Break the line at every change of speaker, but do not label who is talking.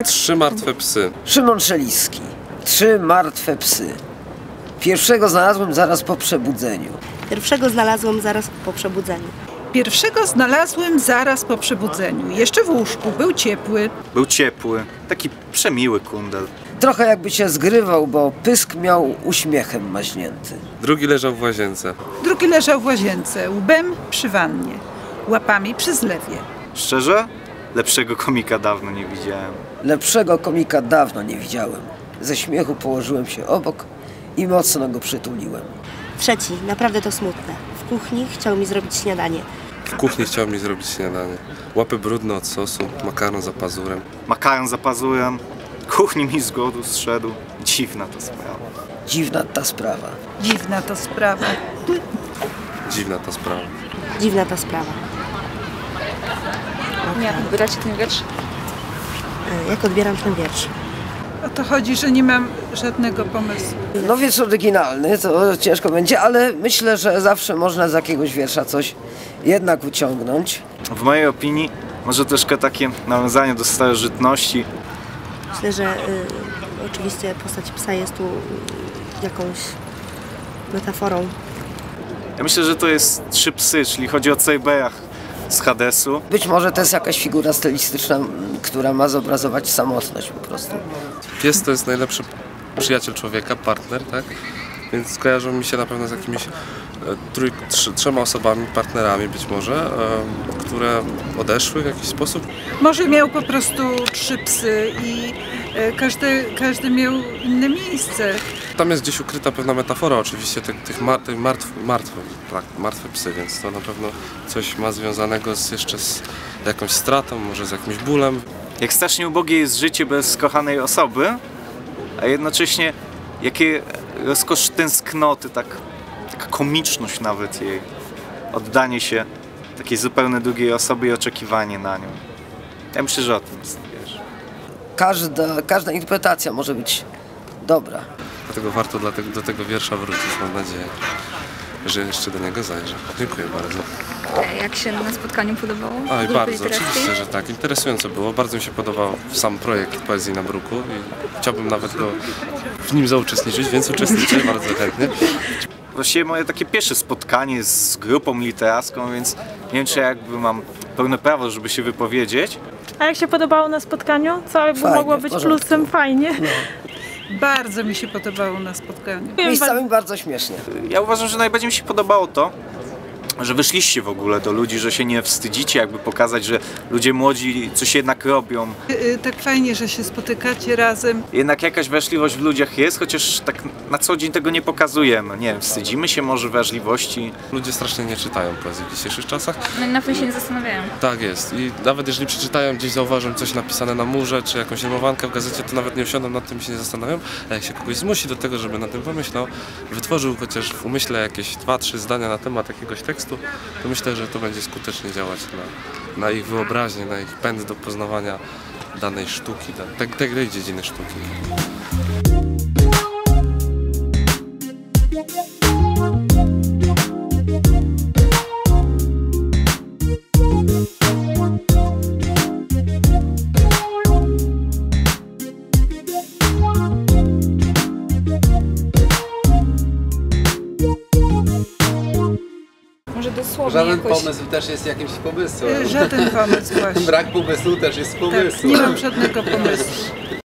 3 martwe psy.
Szymon Szeliski. 3 martwe psy. Pierwszego znalazłem zaraz po przebudzeniu.
Pierwszego znalazłem zaraz po przebudzeniu.
Pierwszego znalazłem zaraz po przebudzeniu. Jeszcze w łóżku. Był ciepły.
Był ciepły. Taki przemiły kundel.
Trochę jakby się zgrywał, bo pysk miał uśmiechem maźnięty.
Drugi leżał w łazience.
Drugi leżał w łazience, łbem przy wannie, łapami przy zlewie.
Szczerze? Lepszego komika dawno nie widziałem.
Lepszego komika dawno nie widziałem. Ze śmiechu położyłem się obok i mocno go przytuliłem.
Trzeci, naprawdę to smutne. W kuchni chciał mi zrobić śniadanie.
W kuchni chciał mi zrobić śniadanie. Łapy brudne od sosu, makaron za pazurem.
Makaron za pazurem. Kuchni mi z głodu zszedł. Dziwna to sprawa.
Dziwna ta sprawa.
Dziwna to sprawa.
Dziwna ta sprawa.
Dziwna ta sprawa.
Jak odbieracie ten wiersz?
Jak odbieram ten wiersz?
O to chodzi, że nie mam żadnego pomysłu.
No wiersz oryginalny, to ciężko będzie, ale myślę, że zawsze można z jakiegoś wiersza coś jednak wyciągnąć.
W mojej opinii może troszkę takie nawiązanie do starożytności.
Myślę, że oczywiście postać psa jest tu jakąś metaforą.
Ja myślę, że to jest 3 psy, czyli chodzi o Cerberach z Hadesu.
Być może to jest jakaś figura stylistyczna, która ma zobrazować samotność po prostu.
Pies to jest najlepszy przyjaciel człowieka, partner, tak? Więc kojarzą mi się na pewno z jakimiś 3 osobami, partnerami być może, które odeszły w jakiś sposób.
Może miał po prostu 3 psy i każdy miał inne miejsce.
Tam jest gdzieś ukryta pewna metafora oczywiście tych martwe psy, więc to na pewno coś ma związanego jeszcze z jakąś stratą, może z jakimś bólem.
Jak strasznie ubogie jest życie bez kochanej osoby, a jednocześnie jakie rozkosz tęsknoty, taka komiczność nawet jej. Oddanie się takiej zupełnie drugiej osobie i oczekiwanie na nią. Ja myślę, że o tym jest, wiesz.
Każda interpretacja może być dobra.
Dlatego warto do tego wiersza wrócić, mam nadzieję, że jeszcze do niego zajrzę. Dziękuję bardzo.
Jak się na spotkaniu podobało?
Oj, bardzo, oczywiście, że tak. Interesująco było. Bardzo mi się podobał sam projekt Poezji na Bruku i chciałbym nawet w nim zauczestniczyć, więc uczestniczę bardzo chętnie.
Właściwie moje takie pierwsze spotkanie z grupą literacką, więc nie wiem, czy jakby mam pełne prawo, żeby się wypowiedzieć.
A jak się podobało na spotkaniu? Co by
Fajnie,
mogło być plusem? Fajnie.
No.
Bardzo mi się podobało na spotkaniu.
Miejscami bardzo śmiesznie.
Ja uważam, że najbardziej mi się podobało to, że wyszliście w ogóle do ludzi, że się nie wstydzicie jakby pokazać, że ludzie młodzi coś jednak robią.
Tak fajnie, że się spotykacie razem.
Jednak jakaś wrażliwość w ludziach jest, chociaż tak na co dzień tego nie pokazujemy. Nie wiem, wstydzimy się może wrażliwości.
Ludzie strasznie nie czytają poezji w dzisiejszych czasach.
No, na tym się nie zastanawiają.
Tak jest. I nawet jeżeli przeczytają, gdzieś zauważą coś napisane na murze, czy jakąś rymowankę w gazecie, to nawet nie usiądą nad tym i się nie zastanawiają. A jak się kogoś zmusi do tego, żeby nad tym pomyślał, wytworzył chociaż w umyśle jakieś 2-3 zdania na temat jakiegoś tekstu, to myślę, że to będzie skutecznie działać na ich wyobraźnię, na ich pęd do poznawania danej sztuki, tej dziedziny sztuki.
Może dosłownie
Żaden
jakoś...
pomysł też jest jakimś pomysłem.
Żaden pomysł właśnie.
Brak pomysłu też jest pomysłem.
Tak, nie mam żadnego pomysłu.